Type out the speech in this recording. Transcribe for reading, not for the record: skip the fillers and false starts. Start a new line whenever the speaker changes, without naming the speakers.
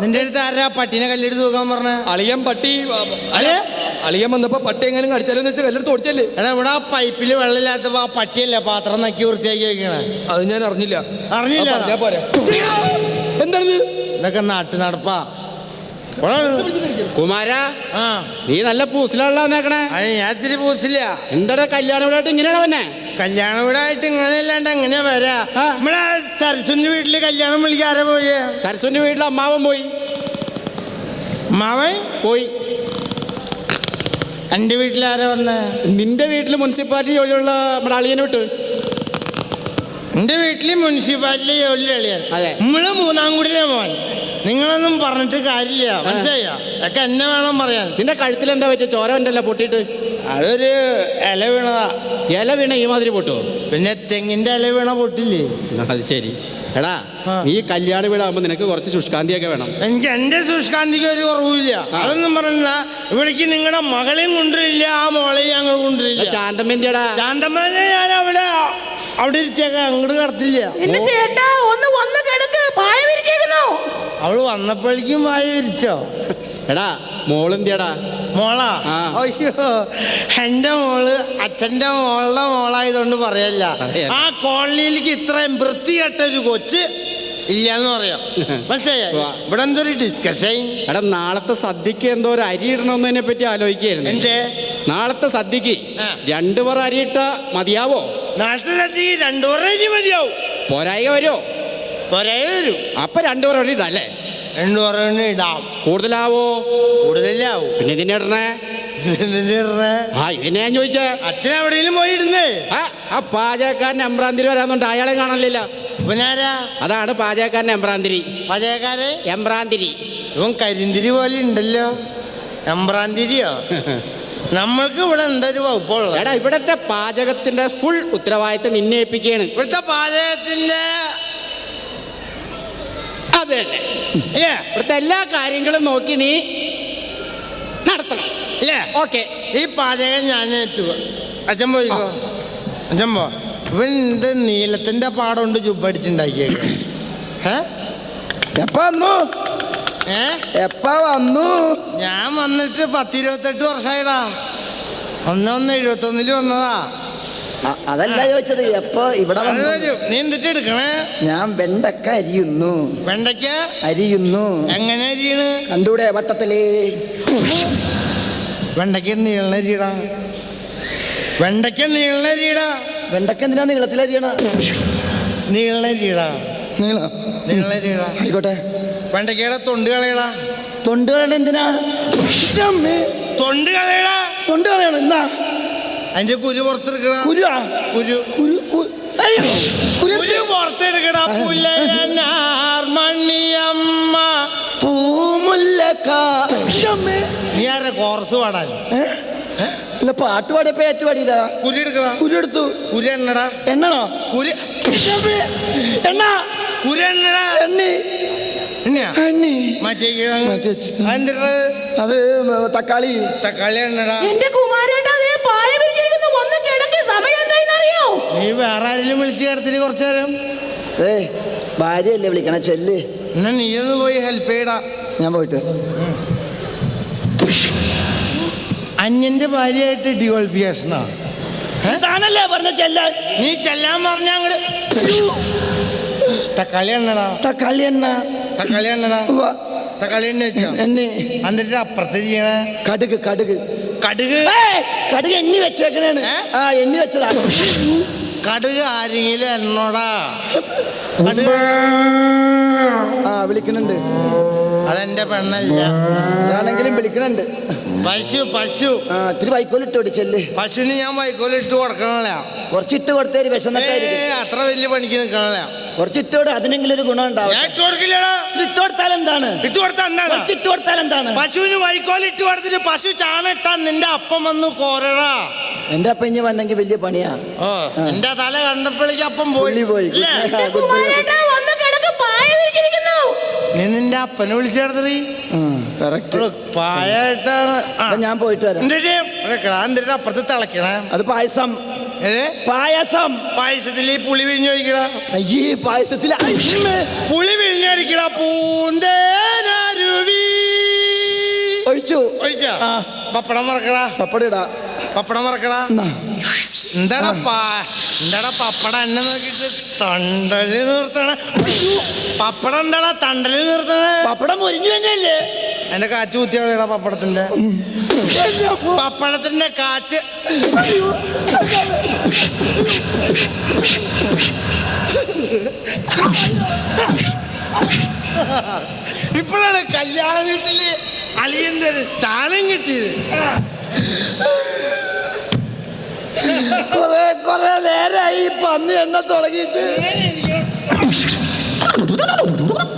നിന്റെ അടുത്ത് ആരാ പട്ടീനെ കല്ലെടുത്ത് തൂക്കാൻ പറഞ്ഞ?
അളിയൻ പട്ടി അളിയൻ വന്നപ്പോ പട്ടി എങ്ങനെ കടിച്ചാലെന്ന് വെച്ചാൽ കല്ലെടുത്ത് ഓടിച്ചല്ലേ.
എടാ ഇവിടെ ആ പൈപ്പില് വെള്ളമില്ലാത്തപ്പോ ആ പട്ടിയല്ലേ പാത്രം നക്കി വൃത്തിയാക്കി വെക്കണേ?
അത് ഞാൻ അറിഞ്ഞില്ല.
പോരെ
എന്താണിത്?
ഇതൊക്കെ നാട്ടു നടപ്പാ.
കുമാര, നീ നല്ല പൂസിലാണല്ലോ വന്നേക്കണേ.
ഞാൻ ഇത്തിരി പൂസില്ല.
എന്താ കല്യാണ വീടായിട്ട് ഇങ്ങനെയാണ് വന്നെ?
കല്യാണ വീടായിട്ട് ഇങ്ങനെയല്ലാണ്ട് എങ്ങനെയാ വരാ? നമ്മളെ സരസുന്റെ വീട്ടില് കല്യാണം വിളിക്കാരെ പോയി?
സരസുന്റെ വീട്ടിൽ അമ്മാവൻ പോയി.
അമ്മാവൻ
പോയി.
എന്റെ വീട്ടിലാരാ വന്നേ?
നിന്റെ വീട്ടിൽ മുനിസിപ്പാലിറ്റി ജോലിയുള്ള നമ്മുടെ അളിയനെ വിട്ട്.
എന്റെ വീട്ടില് മുനിസിപ്പാലിറ്റി ജോലി അളിയാൻ.
അതെ.
നമ്മള് മൂന്നാം കൂടിയിലെ മോൻ. നിങ്ങളൊന്നും പറഞ്ഞിട്ട് കാര്യമില്ല, മനസ്സിലായോ? അതൊക്കെ എന്നെ വേണം പറയാൻ.
നിന്റെ കഴുത്തിൽ എന്താ പറ്റിയ? ചോര ഉണ്ടല്ലോ പൊട്ടിയിട്ട്.
അതൊരു ഇല വീണതാ.
ഇല വീണ ഈ മാതിരി പൊട്ടുവോ?
പിന്നെ തെങ്ങിന്റെ ഇല വീണ പൊട്ടില്ലേ?
അത് ശരി. എടാ, നീ കല്യാണ വീടാകുമ്പോ നിനക്ക് കുറച്ച് ശുഷ്കാന്തിയൊക്കെ വേണം.
എനിക്ക് എന്റെ ശുഷ്കാന്തിക്ക് ഒരു കുറവില്ല. അതൊന്നും പറഞ്ഞ ഇവിടേക്ക് നിങ്ങളുടെ മകളെയും കൊണ്ടുവരില്ല, ആ മോളെയും ഞങ്ങൾ കൊണ്ടുവരില്ല.
ശാന്തമ്മേന്റെടാ.
ശാന്തമ്മനെ ഞാൻ അവിടെ ഇരുത്തിയേക്കാം, അങ്ങോട്ട് കടത്തില്ല.
ചേട്ടാ ഒന്ന് വന്ന് കിടക്ക്, പായ വിരിച്ചേക്കുന്നു.
അവള് വന്നപ്പോഴേക്കും വായ വിരിച്ചോ?
എടാ, മോളെന്തിയടാ?
മോളാ? അയ്യോ, എന്റെ മോള് അച്ഛന്റെ മോളുടെ മോളായതുകൊണ്ട് പറയല്ല. ആ കോളനിയിലേക്ക് ഇത്രയും വൃത്തികെട്ടൊരു കൊച്ച് ഇല്ലാന്ന് പറയാം, മനസ്സിലായ? ഇവിടെ എന്തൊരു ഡിസ്കഷൻ.
എടാ, നാളത്തെ സദ്യക്ക് എന്തോ ഒരു അരി ഇടണമെന്നതിനെ പറ്റി ആലോചിക്കായിരുന്നു.
എന്തേ?
നാളത്തെ സദ്യക്ക് 2 പറ അരി ഇട്ട മതിയാവോ?
നാളത്തെ സദ്യക്ക് 2 പറ അരി മതിയാവും.
പോരായിക വരുമോ?
പോരായ വരും.
അപ്പൊ 2 പറ അരി ഇടല്ലേ?
2 പറ ഇടാം.
കൂടുതലാവോ?
കൂടുതലാവും.
പിന്നെ ഇതിനെ ഇടണേ? ഇതിനെ ഞാൻ ചോദിച്ചേ.
അച്ഛൻ എവിടെയെങ്കിലും പോയി ഇടുന്നേ?
ആ പാചകക്കാരൻ എംബ്രാന്തിരി വരാന്നുണ്ട്, അയാളെ കാണലില്ല. അതാണ് പാചകക്കാരൻ എംബ്രാന്തിരി.
പാചകക്കാരെ
എംബ്രാന്തിരി.
ഇവൻ കരിന്തിരി പോലെ ഉണ്ടല്ലോ. എംബ്രാന്തിരിയോ? നമ്മൾക്ക് ഇവിടെ എന്തൊരു വകുപ്പുള്ളത്?
എടാ, ഇവിടത്തെ പാചകത്തിന്റെ ഫുൾ ഉത്തരവാദിത്തം നിന്നെ ഏൽപ്പിക്കുകയാണ്.
ഇവിടുത്തെ പാചകത്തിന്റെ
അതെ, ഇവിടുത്തെ എല്ലാ കാര്യങ്ങളും നോക്കി നീ നടത്തണം,
അല്ലേ?
ഓക്കെ.
ഈ പാചകം ഞാൻ ഏറ്റു. അച്ഛൻ പോയിക്കോ, അച്ഛൻ പോ. ഇവൻ ഇത് നീലത്തിന്റെ പാടമുണ്ട് ചുപ്പടിച്ചുണ്ടാക്കിയേക്ക.
എപ്പ വന്നു? എപ്പ വന്നു?
ഞാൻ വന്നിട്ട് 10-28 വർഷമായിടാ. 1171 വന്നതാ.
അതല്ല ചോദിച്ചത്, എപ്പോ ഇവിടെ
വരും. നീ എന്തിട്ട് എടുക്കണേ?
ഞാൻ വെണ്ടക്ക അരിയുന്നു.
വെണ്ടയ്ക്ക
അരിയുന്നു.
എങ്ങനെ അരിയണ്?
കണ്ടൂടെ വട്ടത്തിലേ?
വെണ്ടയ്ക്ക നീളരിയടാ. വെണ്ടയ്ക്ക നീളരിയടാ.
വെണ്ടക്ക എന്തിനാ നീളത്തിലരിയണ?
നീളരിയടാ. നീളരിയടാ.
ആയിക്കോട്ടെ.
വെണ്ടയ്ക്കയുടെ തൊണ്ട് കളയടാ.
തൊണ്ട് കളയണ എന്തിനാ?
തൊണ്ട് കളയടാ.
തൊണ്ട് കളയണം എന്നാ?
അതിന്റെ കുരു പുറത്തെടുക്കടാ.
കുരുവാ? കുരു കുരു
കുരു പുറത്തെടുക്കടാ. പുല്ലനാർമണിയമ്മ
പൂമുല്ലക്ക.
നീ ആരെ കോർസ് പാടാൻ?
അല്ല, പാട്ട് പാടിയപ്പോ ഏറ്റു പാടിയില്ല.
കുരു എടുക്കടാ.
കുരു എടുത്തു.
കുരു എണ്ണടാ.
എണ്ണണോ?
കുരു
എണ്ണ.
കുരു എണ്ണടാ.
എണ്ണി. അത് തക്കാളി.
തക്കാളി എണ്ണടാ.
എന്റെ കുമാരേട്ടാ, പായ വിരിച്ചിരിക്കുന്നു, വന്ന് കിടക്ക്. സമയം എന്തായിന്നറിയോ?
നീ വേറെ ആരെങ്കിലും വിളിച്ചു കിടത്തിന് കുറച്ചു നേരം?
ഭാര്യയല്ലേ വിളിക്കണ, ചെല്ല്.
എന്നാ നീ ഒന്ന് പോയി ഹെൽപ്പ് ചെയ്യടാ.
ഞാൻ പോയിട്ട്.
അന്യന്റെ ഭാര്യയായിട്ട് ഡിവോൾഫിക്കേഷനാ?
താനല്ലേ പറഞ്ഞ ചെല്ലാൻ?
നീ ചെല്ലാൻ പറഞ്ഞ അങ്ങട്. തക്കാളി എണ്ണടാ.
തക്കാളി എണ്ണ.
തക്കാളി എണ്ണടാ. തക്കാളി എണ്ണ വെച്ചോ? എന്നിട്ട് അപ്പുറത്ത് ചെയ്യണേ
കടുക്. കടുക്
കടുക്
കടുക് എണ്ണി വെച്ചേക്കണേണ്. എണ്ണി വെച്ചതാ.
കടുക് ആരെങ്കിലും എണ്ണോടാ. കടുക്
വിളിക്കണുണ്ട്.
അതെന്റെ പെണ്ണല്ല.
ആണെങ്കിലും വിളിക്കണുണ്ട്.
പശു പശു.
ഇത്തിരി വൈക്കോലിട്ട് ചെല്ല്.
പശുവിന് ഞാൻ വൈക്കോലിട്ട് കൊടുക്കണല്ല.
കുറച്ചിട്ട് കൊടുത്തേര്, വിശന്നിട്ടായിരിക്കും.
അത്ര വലിയ പണിക്ക് നിൽക്കണല്ല.
കുറച്ചിട്ടോട് അതിനെങ്കിലും ഒരു ഗുണം ഉണ്ടാവും. ഇട്ട് കൊടുത്താൽ എന്താണ്?
ഇട്ട് കൊടുത്താൽ എന്താണ്?
ഇട്ട് കൊടുത്താൽ എന്താണ്?
പശുവിന് വൈക്കോലിട്ട് കൊടുത്തിട്ട് പശു ചാണിട്ടാ നിന്റെ അപ്പം വന്നു കോരടാ.
എന്റെ അപ്പം ഇനി വന്നെങ്കിൽ വലിയ പണിയാ.
എന്റെ തല കണ്ടപ്പോഴേക്ക് അപ്പം പോയി. നീ നിന്റെ അപ്പനെ വിളിച്ചെടുത്തീ. പായായിട്ടാണ്.
ഞാൻ പോയിട്ട് വരാം.
എന്തിനാ അപ്പുറത്ത് തിളക്കണേ?
അത് പായസം. പായസം.
പായസത്തിൽ പുളി പിഴിഞ്ഞൊഴിക്കടാ.
അയ്യേ, പായസത്തിൽ
പുളി പിഴിഞ്ഞൊഴിക്കടാ. പൂന്തേനാര്
ഒഴിച്ചു.
ഒഴിച്ചോ?
ആ.
പപ്പടം മറക്കടാ.
പപ്പടം ഇടാ.
പപ്പടം മറക്കടാ. എന്താടാ പപ്പടം എന്നെ നോക്കിട്ട് തണ്ടല് നിർത്തണ? പപ്പടം എന്താടാ തണ്ടല് നിർത്തണ?
പപ്പടം മുരിഞ്ഞു തന്നെയല്ലേ?
എന്റെ കാറ്റ് കുത്തിയാടാ പപ്പടത്തിന്റെ. പപ്പടത്തിന്റെ കാറ്റ്. ഇപ്പോഴാണ് കല്യാണ വീട്ടില് അളിയന്റെ ഒരു സ്ഥാനം കിട്ടിയത്.
കൊറേ നേരായി പന്നി എണ്ണ തുടങ്ങിയിട്ട്.